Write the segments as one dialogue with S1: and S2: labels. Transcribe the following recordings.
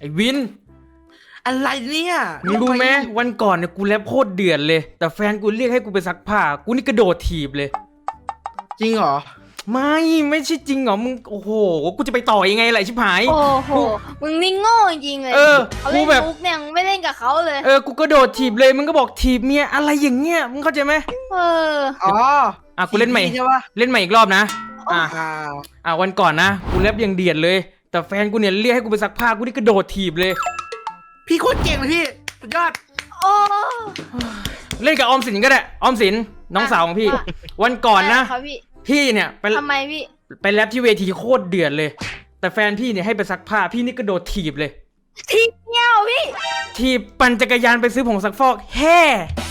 S1: ไอ้วิน
S2: อะไรเนี่ย
S1: มึงรู้ไหมวันก่อนเนี่ยกูแรปโคตรเดือดเลยแต่แฟนกูเรียกให้กูไปซักผ้ากูนี่กระโดดถีบเลย
S2: จริงเหรอ
S1: ไม่ใช่จริงเหรอมึงโอ้โหกูจะไปต่อยังไงล่ะชิบหาย
S3: โอ้โหมึงนี่โง่จริงเลยเขาเล่นมุกเนี่ยไม่เล่นกับเขาเลย
S1: กูกระโดดถีบเลยมึงก็บอกถีบเมียอะไรอย่างเงี้ยมึงเข้าใจไหม
S2: อ๋อ
S1: กูเล่นใหม่
S2: ใช่ปะ
S1: เล่นใหม่อีกรอบนะวันก่อนนะกูแรปยังเดือดเลยแต่แฟนกูเนี่ยเรียกให้กูไปซักผ้ากูนี่กระโดดถีบเลย
S2: พี่โคตรเก่งเลยพี่สุดยอด
S3: โอ้
S1: เล่นกับออมสินก็ได้ออมสินน้องสาวของพี่วันก่อนนะพี่เนี่ยไป
S3: ทำไมพี่
S1: ไปแรปที่เวทีโคตรเดือดเลยแต่แฟนพี่เนี่ยให้ไปซักผ้าพี่นี่กระโดดถีบเลย
S3: ถีบเงี้ยวพี่
S1: ถีบปั่นจักรยานไปซื้อผงซักฟอกแฮ่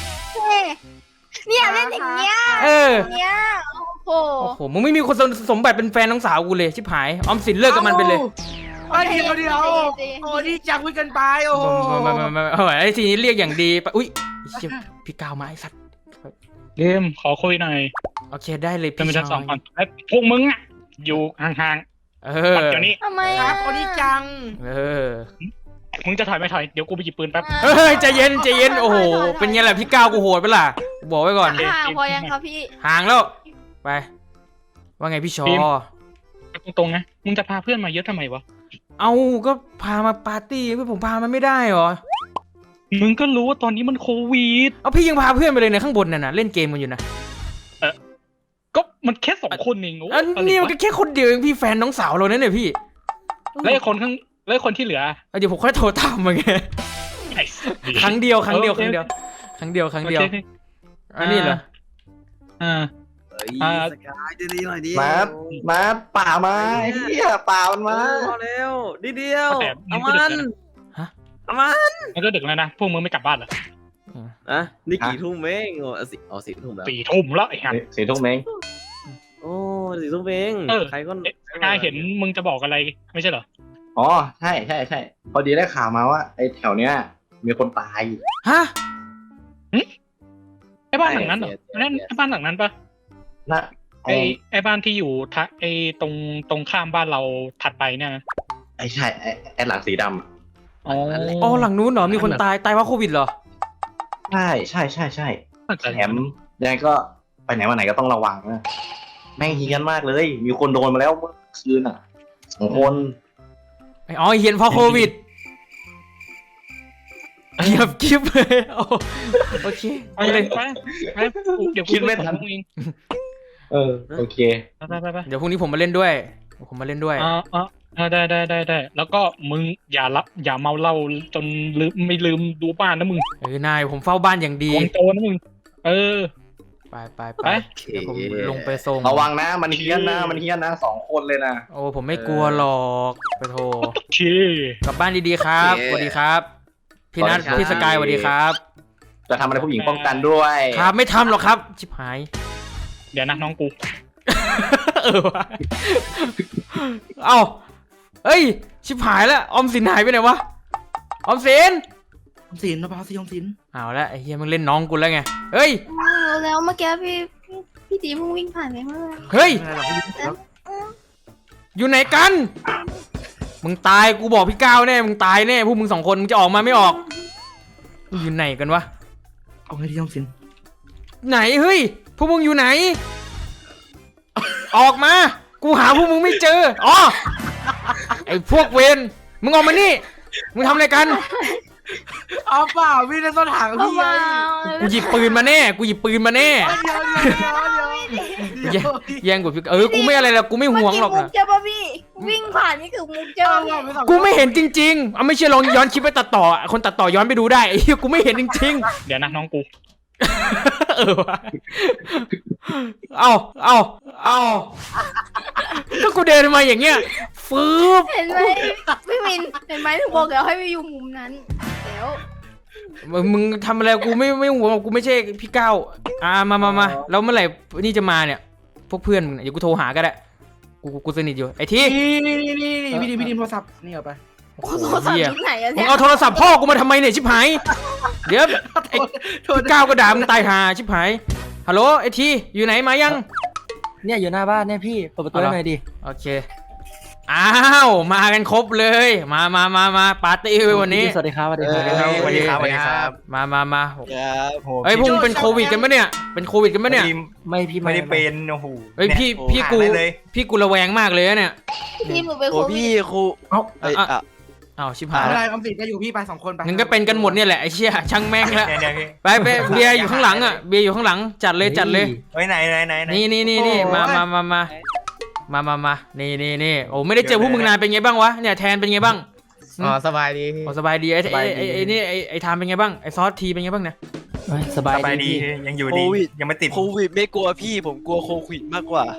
S3: เนี่ยเล่นอย่างเงี้ยเนี่ยโอ้
S1: โหมึงไม่มีคนสมบัติเป็นแฟนน้องสาวกูเลยชิบหายออมสินเลิกกับมันไปเลย
S2: เดี๋ยวโอ้นี่จังวิ่งกันไปโอ้
S1: ไอ้ทีนี้เรียกอย่างดีไปอุ้ยพี่ก้าวมาไอ้สัตว์
S4: เกมขอคุยหน่อย
S1: โอเคได้เลย
S4: พี่ชายพวกมึงอ่ะอยู่ห่าง
S1: ๆ
S4: เดี๋ยวนี้
S3: ทำไม
S2: โอ้นี่จัง
S4: มึงจะถอยไม่ถอยเดี๋ยวกูไปหยิบปืนแป๊บ
S1: เฮ้ยใจเย็นโอ้โหเป็นไงล่ะพี่ก้าวกูโหดไปล่ะบอกไว้ก่อน
S3: ห่างพอยังครับพี่
S1: ห่างแล้วไปว่าไงพี่ชอ
S4: ตรงๆนะมึงจะพาเพื่อนมาเยอะทำไมวะ
S1: เอาก็พามาปาร์ตี้เพื่อผมพามันไม่ได้หรอ
S4: มึงก็รู้ว่าตอนนี้มันโควิด
S1: เอาพี่ยังพาเพื่อนไปเลยในข้างบนน่ะเล่นเกมกันอยู่นะ
S4: ก็มันแค่2 คนเอง
S1: นี่มันก็แค่คนเดียวเองพี่แฟนน้องสาวเราเนี่ยพี่
S4: แล้วคนที่เหลือ
S1: เดี๋ยวผมค่อยโทรตามมาไงครั้งเดียวอันนี้เหรอ
S2: สกายดีหน่อยดิ
S5: มาป่ามาเฮียป่ามันมา
S2: พอแล้วนิดเดียวเอามัน
S4: มันก็ดึกแล้วนะพวกมึงไม่กลับบ้านเหรอ
S2: นี่กี่ทุ่มเอง4 ทุ่มแล้ว
S4: 4 ทุ่มแล้วไอ้ห่า
S5: 4 ทุ่มเอง
S2: โอ้4 ทุ่มเองใครก็
S4: เห็นมึงจะบอกอะไรไม่ใช่เหรอ
S5: อ๋อใช่พอดีได้ข่าวมาว่าไอ้แถวเนี้ยมีคนตาย
S1: ฮะ
S4: ไอ้บ้านหลังนั้นเหรอนั่นไอ้บ้านหลังนั้นปะไอ้บ้านที่อยู่ไอ้ตรงข้ามบ้านเราถัดไปเนี่ยนะ
S5: ใช่ไอ้หลังสีดำ
S1: อ๋อหลังนู้นเหรอมีคนตายเพราะโควิดเหรอ
S5: ใช่แถมยังไงก็ไปไหนมาไหนก็ต้องระวังนะแม่งเฮี้ยนมากเลยมีคนโดนมาแล้วเมื่อคืน2 คน
S1: เฮี้ยนเพราะโควิดเกียบกิ๊บเลยโอเค
S4: ไปเดี๋ยว
S5: คิดไม่ทันโอเค
S4: ไป
S1: เดี๋ยวพรุ่งนี้ผมมาเล่นด้วย
S4: ได้แล้วก็มึงอย่าเมาเหล้าจนไม่ลืมดูบ้านนะมึง
S1: นายผมเฝ้าบ้านอย่างดี
S4: โตนะมึง
S1: ไปเดี๋ยวผมลงไปส่ง
S5: ระวังนะมันเฮี้ยนนะ2 คนเลยนะ
S1: โอ้ผมไม่กลัวหรอกไปโทรกลับบ้านดีๆครับสวัสดีครับพี่นัทพี่สกายสวัสดีครับ
S5: จะทำอะไรผู้หญิงป้องกันด้วย
S1: ครับไม่ทำหรอกครับชิบหาย
S4: เดี๋ยวนะน้องกู
S1: เฮ้ยชิบหายแล้วออมสินหายไปไหนวะออมสิน
S2: มะพร้าวสีออมสิน
S1: เอาละไอ้เฮียมึงเล่นน้องกูแล้วไงเฮ้ย
S3: แล้วเมื่อกี้พี่ตีมึงวิ่งผ่านไปเมื่อไหร่
S1: เฮ้ยอยู่ไหนกันมึงตายกูบอกพี่ก้าวแน่มึงตายแน่พวกมึง2 คนมึงจะออกมาไม่ออกอยู่ไหนกันวะ
S2: เอาไงดีออมสิน
S1: ไหนเฮ้ยพวกมึงอยู่ไหนออกมากูหาพวกมึงไม่เจอไอ้พวกเวรมึงออกมานี่มึงทำอะไรกัน
S2: เอาเปล่าพี่ในต้นหางพี่
S1: กูหยิบปืนมาแน่แย่งกูพี่กูไม่อะไรแล้วกูไม่ห่วงหรอกนะ
S3: เจ้าป่ะพี่วิ่งผ่านนี่คือมุกเจ้า
S1: กูไม่เห็นจริงๆไม่เชื่อลองย้อนคลิปไปตัดต่อคนตัดต่อย้อนไปดูได้ไอ้กูไม่เห็นจริง
S4: ๆเดี๋ยวนะน้องกู
S1: เอาก็กูเดินมาอย่างเงี้ยฟืบ
S3: เห็นไหมพี่มินเห็นไหมถึงบอกแล้วให้ไปอยู่มุมนั้นแล้ว
S1: มึงทำอะไรกูไม่ห่วงกูไม่ใช่พี่ก้าวมาแล้วเมื่อไหร่นี่จะมาเนี่ยพวกเพื่อนมึงเดี๋ยวกูโทรหาก็ได้กูสนิทอยู่ไอ้ที่
S2: นี่พี่ดิมโทรศัพท์นี่เอาไป
S3: โทรศัพท์ที่ไหนอะ
S1: มึงเอาโทรศัพท์พ่อกูมาทำไมเนี่ยชิบหายเดี๋ยวไอ้พี่ก้าวก็ด่ามึงตายหาชิบหายฮัลโหลไอ้ที่อยู่ไหนมายัง
S2: เนี่ยอยู่หน้าบ้านเนี่ยพี่เปิดประตูหน่อยดิ
S1: โอเคอ้าวมากันครบเลยมาปาร์ตี้วันนี้
S6: สวัสดีครับสวัสดี
S1: สวัสดีครับ
S2: สวัสดีครับสวัสดีครับ
S1: มา
S7: ครับ
S1: เฮ้ยพวกมึงเป็นโควิดกันปะเนี่ยเป็นโควิดกันปะเนี่ย
S6: ไม่พี่
S2: ไม่ได้เป็นโอ้โห
S1: เฮ้ยพี่กูระแวงมากเลยเนี่ย
S3: พี่หนูไป
S7: โอ้
S3: โควิ
S7: พี่
S3: ด
S7: ครู
S1: เอ้าชิบหาย
S2: อะไร
S1: แล้ว
S2: ออมสินจะอยู่พี่ไป2 คนไป
S1: มึงก็เป็นกันหมดเนี่ยแหละไอ้เชี่ยช่างแม่งละ
S2: เนี่ยพี่
S1: ไปเบียร์อยู่ข้างหลังอ่ะเบียร์อยู่ข้างหลังจัดเลย
S2: เฮ้ยไหน
S1: นี่มานี่โอ้ไม่ได้เจอพวกมึงนานเป็นไงบ้างวะเนี่ยแทนเป็นไงบ้าง
S2: อ๋อสบายดี
S1: โอ้สบายดีไอ้นี่ไอ้ทามเป็นไงบ้างไอ้ซอสทีเป็นไงบ้างเนี่ย
S6: สบาย
S2: สบายดี
S6: ดี
S2: ยังอยู่
S7: โค
S2: ดี
S7: วิด
S2: ยังไม่ติด
S7: โควิดไม่กลัวพี่ผมกลัวโควิดมากกว่า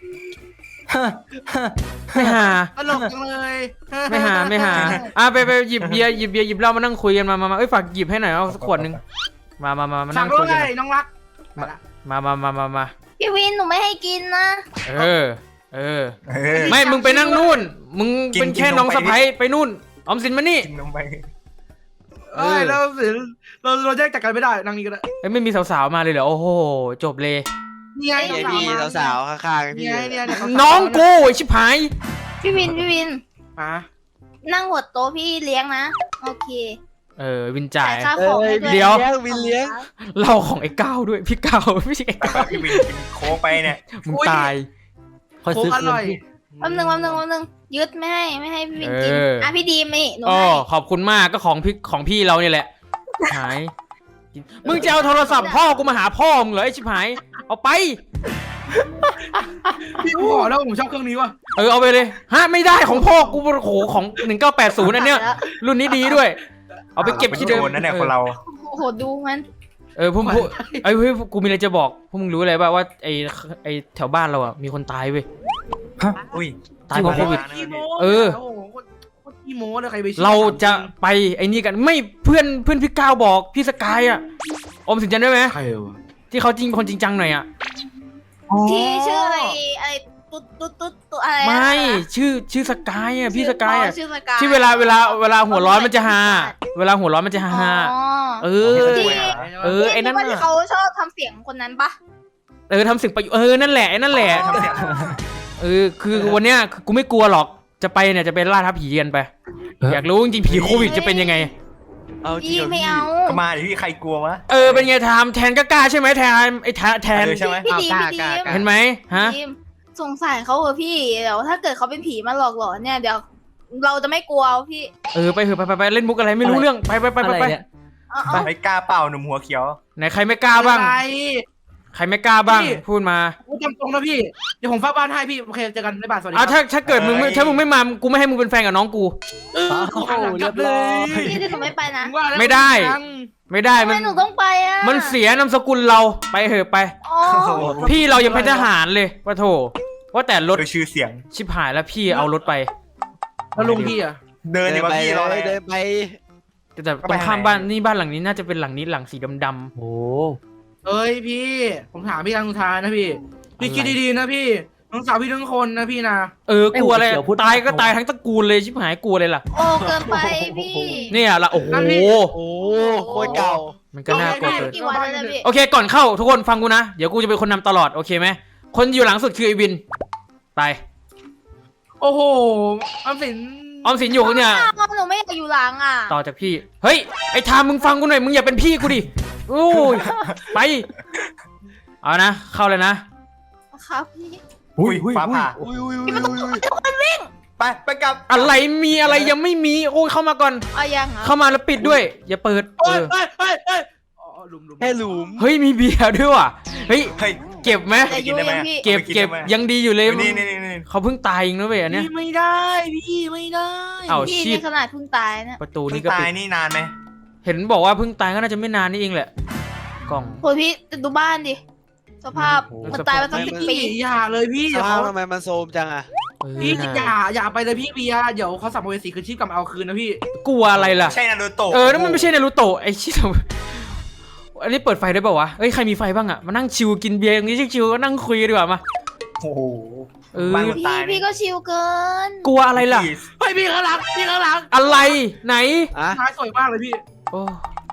S1: ไม่หา
S2: ตลกจังเลย
S1: ไม่หาไปหยิบเบียร์หยิบเหล้ามานั่งคุยกันมาเอ้ยฝากหยิบให้หน่อยเอาสักขวดนึงมา
S2: สั่
S1: นั่
S2: ง
S1: ง
S2: ด้
S1: คุ
S2: วย
S1: กัน
S2: น้องรัก
S1: มา
S3: พี่วินหนูไม่ให้กินนะ
S1: เออไม่มึงไปนั่งนู่นมึงเป็นแค่น้องสะใภ้ไปนู่นออมสินมานี่
S2: กินนมไปเราสิเราแยกจากกันไม่ได้นั่งนี่ก็ได้
S1: เอ้ยไม่มีสาวๆมาเลยเหรอโอ้โหจบเลย
S2: นี่ไง
S7: ไอพี่สาวๆข้างๆพี่
S2: เนี่ย
S1: น้องกูไอ้ชิบหาย
S3: พี่วิน
S2: มา
S3: นั่งหัวโต๊ะพี่เลี้ยงนะโอเค
S1: วินจ่าย
S3: ค่าของให้ด้วย
S1: เดี๋ยว
S7: วินเลี้ยง
S1: เหล้าของไอ้ก้าวด้วยพี่ก้าวไม่ใช่ไอ้ก้าว
S2: พี่วินกินโค้กไปเนี่ย
S1: มึงตาย
S6: คอย
S2: โค้
S6: ซื้อก
S2: อ
S6: คืน
S2: ร่อย
S6: พี่
S3: แป๊บนึงยึดไม่ให้พี่วินกินพี่ดีมหนู
S1: อ๋อ
S3: ให้
S1: ขอบคุณมากก็ของพี่เราเนี่ยแหละหายมึงจะเอาโทรศัพท์พ่อกูมาหาพ่อมึงเหรอไอ้ชิบหายเอาไป
S2: พี่ขอแล้วผมชอบเครื่องนี้ว่ะ
S1: เอาไปเลยฮะไม่ได้ของพ่อกูโอ้โหของ1980อันเนี้ยรุ่นนี้ดีด้วย เอาไปเก็บที่เดิม
S2: นั่นแหละคนเรา
S3: โอ้โหดูมัน
S1: พวกเฮ้ยกูมีอะไรจะบอกพวกมึงรู้อะไรป่ะว่าไอ้แถวบ้านเราอ่ะมีคนตายเว้ย
S2: อุ้ย
S1: ตายเพราะโควิด
S2: โคตรขี้โม้เลยใครไป
S1: เราจะไปไอ้นี่กันไม่เพื่อนพี่ก้าวบอกพี่สกายอ่ะอมสินจันได้ไหม
S2: ใครวะ
S1: ที่เขาจริงคนจริงจังหน่อยอ่ะ
S3: ที่ชื่ออะไรตุ๊ดอะไร
S1: ไม่ชื่อสกายอ่ะพี่สกายอ่ะ
S3: ชื่อสกาย
S1: ที่เวลาหัวร้อนมันจะฮาเวลาหัวร้อนมันจะฮาไอ้นั่น
S3: ที่เขาชอบทำเสียงคนนั้นปะ
S1: ทำเสียงไปนั่นแหละไอ้นั่นแหละ
S2: ทำเสียง
S1: คือวันเนี้ยกูไม่กลัวหรอกจะไปเนี่ยจะเป็นล่าท้าผีกันไปอยากรู้จริงๆผีโควิดจะเป็นยังไง
S7: เอาจริ
S3: พี่
S7: ง
S3: ไม่เอา
S2: ก็มาดิพี่ใครกลัววะ
S1: เป็นไงทำแทนก็กล้าใช่ไหมแทนไอ้แทน
S2: ใช่ไหม
S3: พี่ดี
S1: เห็นไหมฮะ
S3: สงสัยเขาเหรอพี่เดี๋ยวถ้าเกิดเขาเป็นผีมาหลอกหลอนเนี่ยเดี๋ยวเราจะไม่กลัวพี่
S1: ไปเถอะไปเล่นมุกอะไรไม่รู้เรื่องไป
S6: อะไรเนี่ย
S2: ไม่กล้าเปล่าหนุ่มหัวเขียว
S1: ไหนใครไม่กล้าบ้าง
S2: อะไร
S1: ใครไม่กล้าบ้าง
S2: พี่
S1: พูดมา
S2: กูจำตรงนะพี่เดี๋ยวผมเฝ้าบ้านให้พี่โอเคเจอกันในบ้านสวัสดี
S1: ถ้าเกิดมึงไม่มากูไม่ให้มึงเป็นแฟนกับน้องกู
S6: เรียบร้อย
S3: พี่ที่หนูไม่ไปนะ
S1: ไม่ได้ ไม่ได้
S3: ทำไมหนูต้องไปอ่ะ
S1: มันเสียนามสกุลเราไปเถอะไป
S3: อ๋อ
S1: พี่เรายังเป็นทหารเลยว่าโถว่าแต่รถ
S2: โดยชื่อเสียง
S1: ชิบหายแล้วพี่เอารถไป
S2: แล้วลุงพี่อ่ะเดิน
S7: เดิ
S2: ดี
S7: น
S2: กว่า
S7: ไป
S2: พี่รออะไร
S7: เดินไป
S1: แต่ตรงข้ามบ้านนี่บ้านหลังนี้น่าจะเป็นหลังนี้หลังสีดำ
S6: โอ้
S2: เอ้ยพี่ผมถามพี่ทางสุดท้ายนะพี่คิดดีๆนะพี่น้องสาวพี่ทั้งคนนะพี่นะ
S1: ๆกลัวอะไรตายก็ตายทั้งตระกูลเลยชิบหายกลัวเลยล่ะ
S3: โอ้เกินไปพี่
S1: เนี่ยละโอ้โห
S7: โอ้โคตรเก่า
S1: มันก็น่ากลัวเกิน
S3: กี่วันแล้วนะพี่
S1: โอเคก่อนเข้าทุกคนฟังกูนะเดี๋ยวกูจะเป็นคนนำตลอดโอเคไหมคนอยู่หลังสุดคือไอวินไป
S2: โอ้โหออมสิน
S1: ออมสินอยู่เนี่ย
S3: หนูไม่อยากอยู่หลังอ่ะ
S1: ต่อจากพี่เฮ้ยไอ้ทามมึงฟังกูหน่อยมึงอย่าเป็นพี่กูดิโอ้ยไปเอานะเข้าเลยนะครับ
S3: พี่
S2: อุ้ยฟ้าผ่า
S7: อุ้ย
S2: ไปกลับ
S1: อะไรมีอะไรยังไม่มีโอ้ยเข้ามาก่อน
S3: เอายังเหรอ
S1: เข้ามาแล้วปิดด้วย อย่าเปิด
S2: เฮ้ยอ๋อหลุม
S7: แค่หลุม
S1: เฮ้ยมีเบียร์ด้วยว่ะเฮ้ย
S2: เฮ้ย
S1: เก็บไหม
S3: แต่ยูยังพี่
S1: เก็บยังดีอยู่เลย
S2: นี่
S1: เขาเพิ่งตายเองนะเว้ยอันเนี้ย
S2: ไม่ได้พี่ไม่ได้
S1: เอ้า
S3: พี่
S1: ชิ
S3: นี่
S1: ด
S3: ขนาดเพิ่งตายเนี่ย
S1: ประตู
S2: นี่
S1: นี่ก็
S2: ตา
S1: ปิ
S2: ย
S1: ด
S2: นี่นานไหม
S1: เห็นบอกว่าเพิ่งตายก็น่าจะไม่นานนี่เองแหละกล่อง
S3: โหพี่ดูบ้านดิสภาพมันตายมาตั้ง10 ปี
S2: อย่าเลยพี่
S7: ส
S2: เดี๋ยว
S7: ภาพ
S2: เขา
S7: ทำไมมันโซมจังอะ
S2: พี่
S1: นะ
S2: อย่าไปเลยพี่เบียร์เดี๋ยวเขาสับเวสีคืนชีพกลับมาเอาคืนนะพี่
S1: กลัวอะไรล่ะ
S2: ใช่นารูโตะ
S1: นั่นมันไม่ใช่นารูโตะไอ้ชิบอันนี้เปิดไฟได้เปล่าวะเอ้ยใครมีไฟบ้างอะมานั่งชิวกินเบียร์อย่างนี้ชิวๆก็นั่งคุยกันดีกว่ามา
S2: โอ้โห
S1: บ้าน
S3: พี่ก็ชิลเกิน
S1: กลัวอะไรล่ะ
S2: เฮ้ยพี่ข้างหลัง
S1: อะไรไหน
S7: อะ
S2: ท้ายสวยมากเลยพี่
S1: โอ้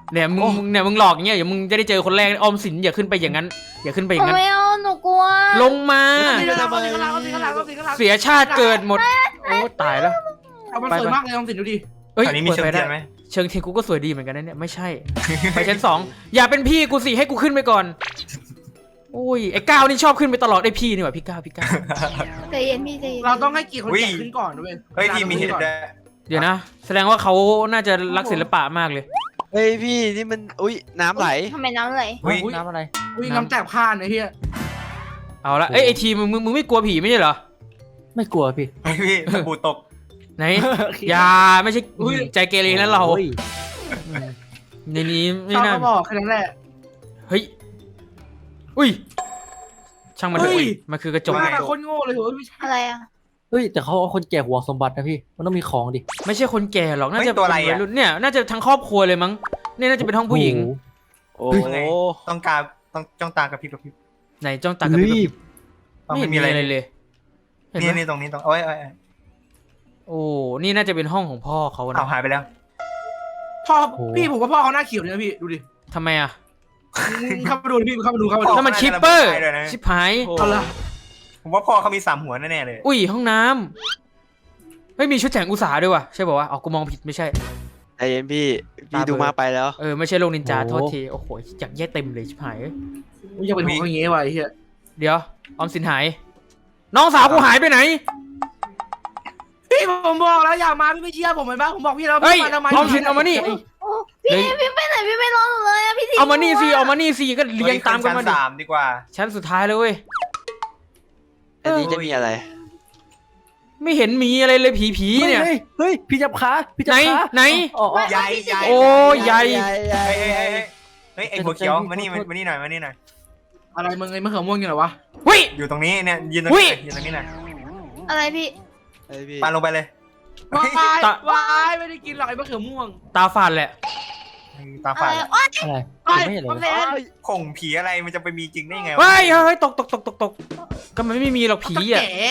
S1: เนี่ยมึงหลอกอย่างเงี้ยเดี๋ยวมึงจะได้เจอคนแรกออมสินอย่าขึ้นไปอย่างนั้นอย่าขึ้นไปอย่างนั้น
S3: ไม่เอาหนูกลัว
S1: ลงมา
S2: เอาสิข้างหลัง
S1: เสียชาติเกิดหมดโอ้ตายแล้ว
S2: เอามันสวยมากเลยลองสิดูดิ
S1: เอ้ย
S8: ตอนนี้มีเชิง
S1: ปิด
S8: เที
S1: ไฟ
S8: ยนไหม
S1: เชิงเทียนกูก็สวยดีเหมือนกันนะเนี่ยไม่ใช่ ไปชั้นสองอย่าเป็นพี่กูสิให้กูขึ้นไปก่อนโอ้ยไอ้ก้าวนี่ชอบขึ้นไปตลอดไอ้พี่นี่หว่าพี่ก้าว
S3: ใจเย็นพี่ใจเย็น
S2: เราต้องให้เกียรติคนแก่ขึ้นก่อนด้วย
S8: เฮ้ยพี่มีเห็ดด้วย
S1: เดี๋ยวนะ แสดงว่าเขาน่าจะรักศิลปะมากเลย
S7: เฮ้ยพี่นี่มันอุ้ยน้ำไหล
S3: ทำไมน้ำไหล
S8: เฮ้ย
S6: น้ำอะไร
S2: อุ้ยน้ำแตกผ่านไอ้เหี้ย
S1: เอาละเอ้ยไอทีมึงไม่กลัวผีไม่ใช่เหรอ
S6: ไม่กลัวพี่
S8: เฮ้ยพี่ตะปูตก
S1: ไหนอย่าไม่ใช่ใจเกเรนะเรา
S6: โอ้ย
S1: ในนี้ไม่
S2: ชอบ
S1: น่า
S2: ก็บอกแค่นั้นแหละ
S1: เฮ้ยอุ้ยช่างมันเถอะ
S2: เฮ้ย
S1: มันคือกระจก
S2: ว่าคนโง่เลยเหรอไม่ใช่
S3: อะไรอ่ะ
S6: เฮ้ยแต่เขาเอาคนแก่ห่วงสมบัตินะพี่มันต้องมีของดิ
S1: ไม่ใช่คนแก่หรอกน่าจะ
S8: เฮ้ยตัวอะไร
S1: เป็น
S8: อะ
S1: วัยรุ่นเนี่ยน่าจะทั้งครอบครัวเลยมั้งเนี่ยน่าจะเป็นห้องผู้หญิง
S6: โอ้โห
S7: โอ้
S8: ไง
S7: โห
S8: ต้องการต้องจ้องตากระพริบกระพริบ
S1: ไหนจ้องตากระพริบ
S8: ต้อง
S1: ไม่เห็น
S8: มี
S1: มี
S8: อะไร
S1: อะไรเลยเห็นไหม
S8: นี่ตรงนี้ตรงเอ้ย
S1: โอ้นี่น่าจะเป็นห้องของพ่อเขา
S8: เอา
S1: นะ
S8: หายไปแล้ว
S2: พ่อพี่ผมว่าพ่อเขาหน้าเขียวเลยนะพี่ดูดิ
S1: ทำไมอ่ะ
S2: เข้ามาดูพี่เข้ามาดู
S1: ถ้ามันชิปเปอร์ชิปหาย
S2: เอาละ
S8: ผมว่าพ่อเขามี3 หัวแน่ๆเลย
S1: อุ้ยห้องน้ำเฮ้ยมีชุดแจงอุตสาหด้วยว่ะใช่ป่าวะอ๋อกูมองผิดไม่ใช่
S7: ใจเย็นพี่ดูมาไปแล้ว
S1: ไม่ใช่โลกนินจาโทษทีโอ้โหอยากแย่เต็มเลยชิบหาย
S2: มึงจะเป็นหัวอย่างเงี้ยวะไอ้เหี้ย
S1: เดี๋ยวออมสินหาย น้องสาวกูหายไปไหน
S2: พี่ผมบอกแล้วอย่ามาพี่ไม่เชื่อผมเห็นปะผมบอกพี่แล้ว
S1: เฮ้ย
S2: พี่มาทำไม
S1: ออมสินเอามานี่
S3: โอ้พี่ไปไหนพี่ไม่รอหนูเลยอ่ะพี่ที
S1: เอามานี่สิเอามานี่สิก็เรียงตามกันมาดิ
S8: ชั้น 3ดีกว่า
S1: ชั้นสุดท้ายเลยเว้ย
S7: อันนี้จะมีอะไร
S1: ไม่เห็นมีอะไรเลยผีเนี่ย
S6: เฮ้ยพี่จับขาพี่จั
S1: ไหน
S6: บขา
S1: ไหน
S6: อ๋ออ๋อ
S8: ใหญ่ใหญ่
S1: โอ้ใหญ่
S8: เฮ้ยไอ้หัวเขียวมานี่หน่อยมานี่หน่อย
S2: อะไรมึงไอ้มะเขือม่วงอย่างไรวะ
S1: เฮ้ย
S8: อยู่ตรงนี้เนี่ยยืนตรง
S1: อุ๊ย
S8: นี้ยืนตรงนี้หน่อย
S3: อะไรพี่
S7: เฮ้ยพี่
S8: ปาลงไปเลย
S2: วาย
S1: ตะ
S2: วายไม่ได้กินหรอกไอ้มะเขือม่วง
S1: ตาฝาดแหละ
S8: ตา
S3: อะ
S8: ฝา
S3: ไร
S8: ด
S3: โอ๊ย
S6: อะไร
S2: ไอ้
S6: ไม่เห็น
S2: ผม
S6: เลย
S2: เห็น
S8: ข่งผีอะไรมันจะไปมีจริงได้ไงวะ
S1: เฮ้ยเฮ้ยตกก็มันไม่มีหรอกผีอ่ะ
S2: แก่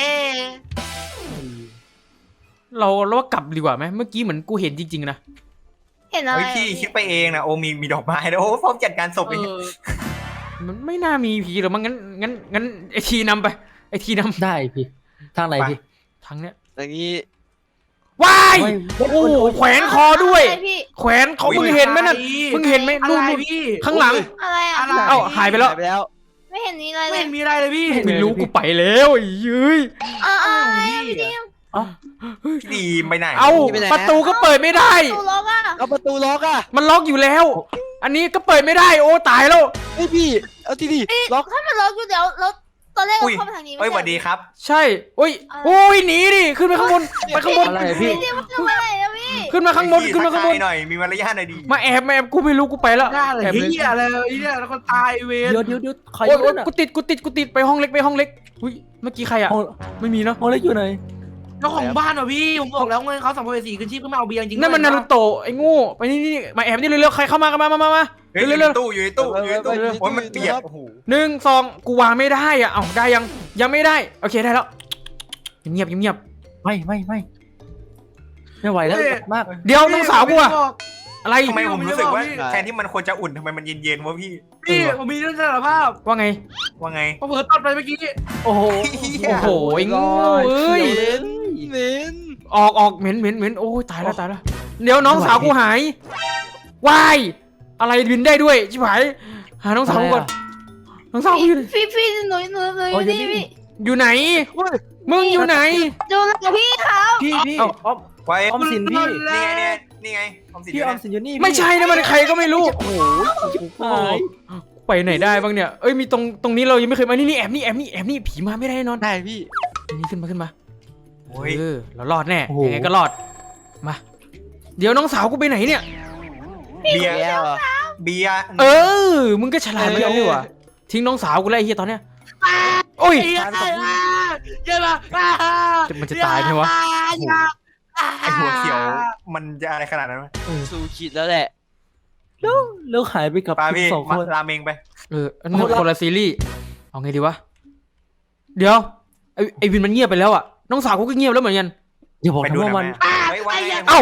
S1: เราว่ากลับดีกว่าไหมเมื่อกี้เหมือนกูเห็นจริงๆนะ
S3: เห็นอะไร
S8: เฮ้ยพี่คิดไปเองนะโอ้มีดอกไม้นะโอ้พร้อมจัดการศพเอง
S1: มันไม่น่ามีผีหรอกมั้งงั้นไอทีนำไปไอทีน
S6: ได้พี่ทางไหนพี่
S1: ำทางเนี้ย
S7: อย่างนี้
S1: ว้าย
S6: ไม่
S1: โอ้โหแขวนคอด้วย
S3: อะไรพี่
S1: แขวนเขามึงเห็นไหมนั่นมึงเห็นไหม
S2: อะ
S1: นู่น
S2: ไร
S1: นู่น
S2: พี่
S1: ข้างหลัง
S3: อะไรอ่ะ
S2: อะไร
S1: เอ้าหายไปแล้ว
S7: หายไปแล้ว
S3: ไม่เห็นมีอะไรเล
S2: ไม่
S3: ย
S2: เห็นมีอะไรเลยพี่
S1: ไม่รู้กูไปแล้วไอ้ยืย
S3: อะไรอ่ะพี่ทีม
S8: พี่ดีไปไหน
S1: เอาประตูก็เปิดไม่ได้
S3: ตูล็อกอ่ะ
S7: เอาประตูล็อกอ่ะ
S1: มันล็อกอยู่แล้ว อันนี้ก็เปิดไม่ได้โอ้ตายแล้ว
S7: เฮ้ยพี่เอาที่ดิล็อก
S3: ถ้ามันล็อกอยู่เดี๋ยวแล้วตอนแรกเรา
S8: อุ้ย
S3: เข้าไปทางนี้
S8: เฮ้ยส
S3: ไม่
S8: วัสดีครับ
S1: ใช่โอ้ยโอ้ยหนีดิขึ้นไปข้างบนไปข้างบน
S6: อะไรพี่
S3: พี่ทีมมันทำอะไรอะพี่
S1: ขึ้นมาข้างบนขึ้นมาข้างบน
S8: หน่อยมีมารยาทหน่อยดี
S1: มาแอบกูไม่รู้กูไปแล้ว
S2: ได้เลย
S1: แอบเลย
S2: เฮียอะไรเนี่ยแล้วก็ตายเวร
S6: เดี๋ยวใคร
S1: โอ้ย
S6: อยู่น่ะ
S1: กูติดไปห้องเล็กอุ้ยเมื่อกี้ใครอะ
S6: ห้อง
S1: ไม่มีเนาะ
S6: ห้องเล็กอยู่ไหน
S2: เจ้าของบ้านเหรอพี่ผมบอกแล้วไงเขาสัมภเวสีขึ้นชีพขึ้นมาเอาเบียร์จริง
S1: นั่นมันนารูโตะไอ้โง่ไปนี่มาแอบนี่เร็วๆใครเข้ามากันมา
S8: เฮ้ยอยู่
S1: เร็
S8: ใน
S1: ว
S8: ตู้อยู่ในตู้โอ้ยมันเปียกโอ้โห
S1: ๆ1 2กูวางไม่ได้อะเอ้าได้ยังไม่ได้โอเคได้แล้วเงียบ
S6: ไม่ไหวแล้วมาก
S1: เดี๋ยวน้องสาวกูอะอะไร
S8: ทำไมผมรู้สึกว่าแทนที่มันควรจะอุ่นทำไมมันเย็นๆวะพี่
S2: พี่ผมมีเรื่องสารภาพ
S1: ว่าไง
S8: ว่าไง
S2: ผมเผลอตัดไปเมื่อกี้
S6: โอ้โห
S1: โอ้โหไอ้โง่เอ้ย
S7: เหม็นเหม็น
S1: ออกเหม็นโอ้ยตายแล้วเดี๋ยวน้องสาวกูหายว้ายอะไรบินได้ด้วยชิบหายหาน้องสาวกูก่อนน้องสาวกูอยู่ไหน
S3: พี่หนูอยู่นี่พี่
S1: อยู่ไหนมึงอยู่ไหน
S3: ดูแลพี่ครับ
S6: พี่
S1: เอ้า
S6: ออม
S8: ไว้
S6: ออมสินพี่
S8: นี่ไงออมสิน
S6: พี่ออมสินอยู่นี่
S1: ไม่ใช่นะมันใครก็ไม่รู้
S6: โอ้โหหาย
S1: ไปไหนได้บ้างเนี่ยเอ้ยมีตรงนี้เรายังไม่เคยมานี่แอบนี่ผีมาไม่ได้แน่นอน
S7: ได้พี่
S1: นี่ขึ้นมา
S8: โอ้ย
S1: เรารอดแน่ยังไงก็รอดมาเดี๋ยวน้องสาวกูไปไหนเนี่ย
S8: เบียร์
S7: แล้วเหรอ
S8: เบียร์
S1: มึงก็ฉลาดเหมือนกันนี่หว่าทิ้งน้องสาวกูแล้วไอ้เฮียตอนเนี้ยโอ้ย
S2: เยอะมา
S1: มันจะตายไหมวะ
S8: ไอหัวเขียวมันจะอะไรขนาดนั้นไหม
S7: สู่ขีดแล้วแหละ
S6: แล้วหายไปกับ
S8: ปาพี่
S6: สองคน
S8: ราเมงไป
S1: อันนั้นคนละซีรีส์เอาไงดีวะเดี๋ยวไอวินมันเงียบไปแล้วอ่ะน้องสาวกูก็เงียบแล้วเหมือนกัน
S6: อย่าบอก
S8: ไป
S6: นะ
S8: ดูห
S6: ว่า
S8: น่
S6: มั
S8: อน ยไหมไว้
S1: เอ้า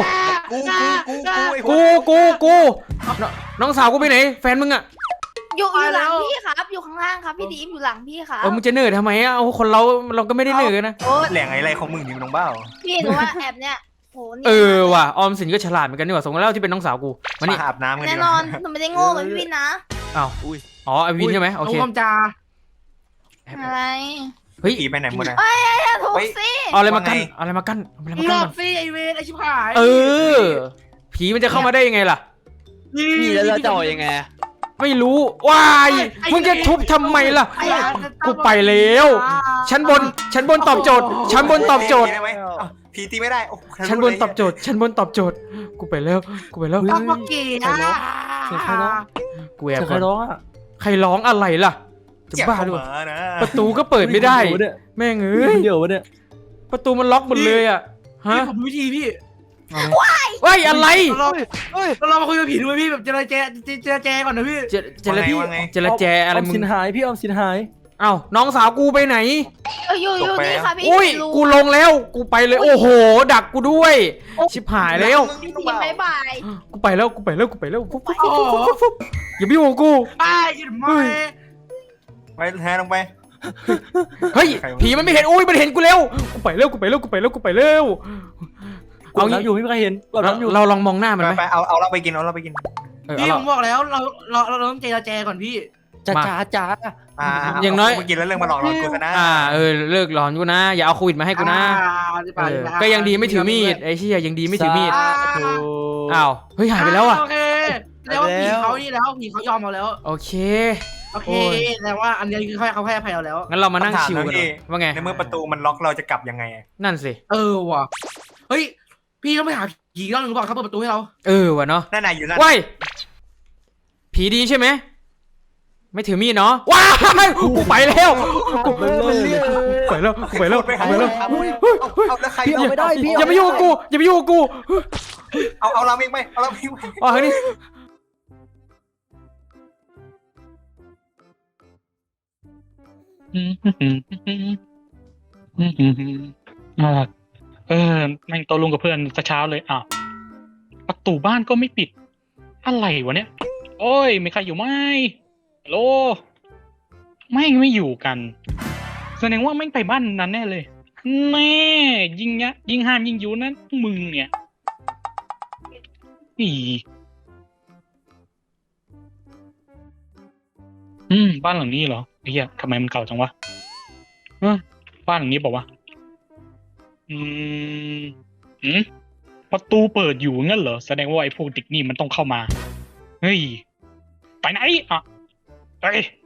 S8: ไอ้พวก
S1: กูน้องสาวกูไปไหนแฟนมึงอะ
S3: อยู่หลังพี่ครับ อยู่ข้างล่างครับพี่ดีมอยู่หลังพี่ครับ
S1: มึงจะเหนื่อยทำไมอะเอาคนเราก็ไม่ได้เหนื่อยนะ
S3: โอ้ย
S8: แหล่งอะไรของมึงนี่มึงน้องเบ้า
S3: พี่หนูว่าแอบเนี่ยโหนี่
S1: ว่ะออมสินก็ฉลาดเหมือนกันนี่หว่าสมแล้วที่เป็นน้องสาวกูมา
S8: มา
S1: นี่
S8: อาบน้ำกัน
S3: แน่
S8: ดีก
S3: นอ
S8: ว่าน
S3: หนูไม่ได้โง่เหมือนพี่วินนะ
S1: อ้าวอ๋อไอวินใช่ไหมโอเค
S2: น้องจา
S3: อะไร
S1: เฮ้ย
S8: ผีไปไหนหมดอะ
S3: อย่าถูกสิ
S1: เอาอะไรมากั้น
S8: ว่าไง
S1: เอาอะไรมากั้นเอาอะไร
S2: มึ
S1: มาง กั้น
S2: หล
S1: ก่
S2: อ
S1: อน
S2: กสิไอเวนไอชิบหาย
S1: ผีมันจะเข้ามาได้ยังไงล่ะ
S7: นี่แล้วเราจะเอายังไง
S1: ไม่รู้ว้ายมึงจะทุบทำไมล่ะ กูไปแล้ว ชั้นบนตอบโจทย์ชั้นบนตอบโจทย์
S8: ได้ไหมอ้าวผีตีไม่ได้โอ้
S1: ชั้นบนตอบโจทย์ชั้นบนตอบโจทย์กูไปแล้ว
S2: ต้องมาเกย์อ่ะ
S6: เสียงใครร้อง
S1: กูแอบ
S6: เสียงใค
S1: ก่
S6: ร
S1: อน
S6: ร้องอ่ะ
S1: ใครร้องอะไรล่ะจะ
S8: เจ็บ
S1: บ้า
S8: เข้า
S1: ด้วย
S8: มานะ
S1: ประตูก็เปิดไม่ได้
S6: เยวเนี่ย
S1: แม่งเอ้ย
S6: เดี๋ยวเนี่ย
S1: ประตูมันล็อกหมดเลยอ่ะฮะ
S2: พี่ผมรู้วิธีพี่
S1: ว้ายอะไร
S2: เรามาคุยกับผีด้วยพี่แบบเจรแจก่อนนะพี่
S1: เจรแจอะไร
S6: ออม
S1: มึ
S6: สิ
S1: ง
S6: นหายพี่ออมสินหาย
S1: เอ้าน้องสาวกูไปไหน
S3: อยู่นี่ค่ะพี่
S1: อุ้ยกูลงแล้วกูไปเลยโอ้โหดักกูด้วยชิบหายแล้ว
S3: พี่ทีมบายบาย
S1: กูไปแล้วฟุ๊บอย่าไปยุ่งกับกู
S2: ไอ้ยินไม่
S8: ไปแทนลงไป
S1: เฮ้ยผีมันไม่เห็นอุ้ยมันเห็นกูแล้วกูไปแล้วเอา
S6: เอา
S1: งี้
S6: น้ำอยู่ไม่มีใครเห็นกดน้ำอยู่
S1: เราลองมองหน้ามันไหม
S8: ไปเอาเราไปกินเอาเราไปกิน
S2: พี่ผมบอกแล้วเราต้องเจรแจก่อนพี่
S6: จ้า
S1: อย่างน้อย
S8: ไปกินแล้วเรื่องมาหลอกเรากูซะนะ
S1: เลิกหลอนกูนะอย่าเอาโควิดมาให้กูนะก็ยังดีไม่ถือมีดไอ้เชี่ยยังดีไม่ถือมีดอ้าวเฮ้ยหายไปแล้วอ่ะ
S2: โอเคแล้วผีเขานี่แล้วผีเขายอมเราแล้ว
S1: โอเค
S2: โอเคแต่ว่าอันนี้คือเขาให้อภัยเราแล้ว
S1: งั้นเรามานั่งชิวกันว่าไง
S8: ในเมื่อประตูมันล็อกเราจะกลับยังไง
S1: นั่นสิ
S2: ว่ะเฮ้ยพี่ต้องไปหาผีรอบนึงก่อนเขาเปิดประตูให้เรา
S1: ว่ะเนาะ
S8: นั่นน่ะอยู่นั่น
S1: ว้ายผีดีใช่ไหมไม่ถือมีดเนาะว้ายกูไปแล้วกูไปแล้ว
S8: เอาแล้วใคร
S6: พี่เอาไม่ได้พี่
S1: อย่าไปยุ่งกับกู
S8: เอาเราอีกไหมเอาเราอีกไหม
S1: อ๋อนี่
S4: แม่งโตลุงกับเพื่อนแต่เช้าเลยอ้าวประตูบ้านก็ไม่ปิด อะไรวะเนี่ย โอ้ยมีใครอยู่ไหมฮัลโหลไม่อยู่กันแสดงว่าแม่งไปบ้านนั้นแน่เลยแน่ยิงห้ามยิงอยู่นั้นมึงเนี่ยอีบ้านหลังนี้เหรอไอ้เหี้ยทำไมมันเก่าจังวะบ้านหลังนี้บอกว่าประตูเปิดอยู่งั้นเหรอแสดงว่าไอ้พวกเด็กนี่มันต้องเข้ามาเฮ้ยไปไหนอ่ะไป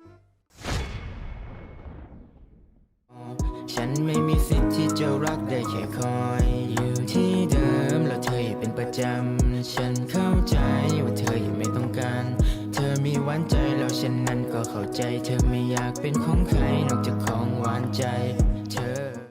S9: ฉันไม่มีสิทธิ์ที่จะรักได้แค่คอยอยู่ที่เดิมแล้วเธออย่าเป็นประจำฉันเข้าใจว่าเธอยังไม่ต้องการเธอมีหวานใจแล้วฉันนั้นก็เข้าใจเธอไม่อยากเป็นของใครนอกจากของหวานใจเธอ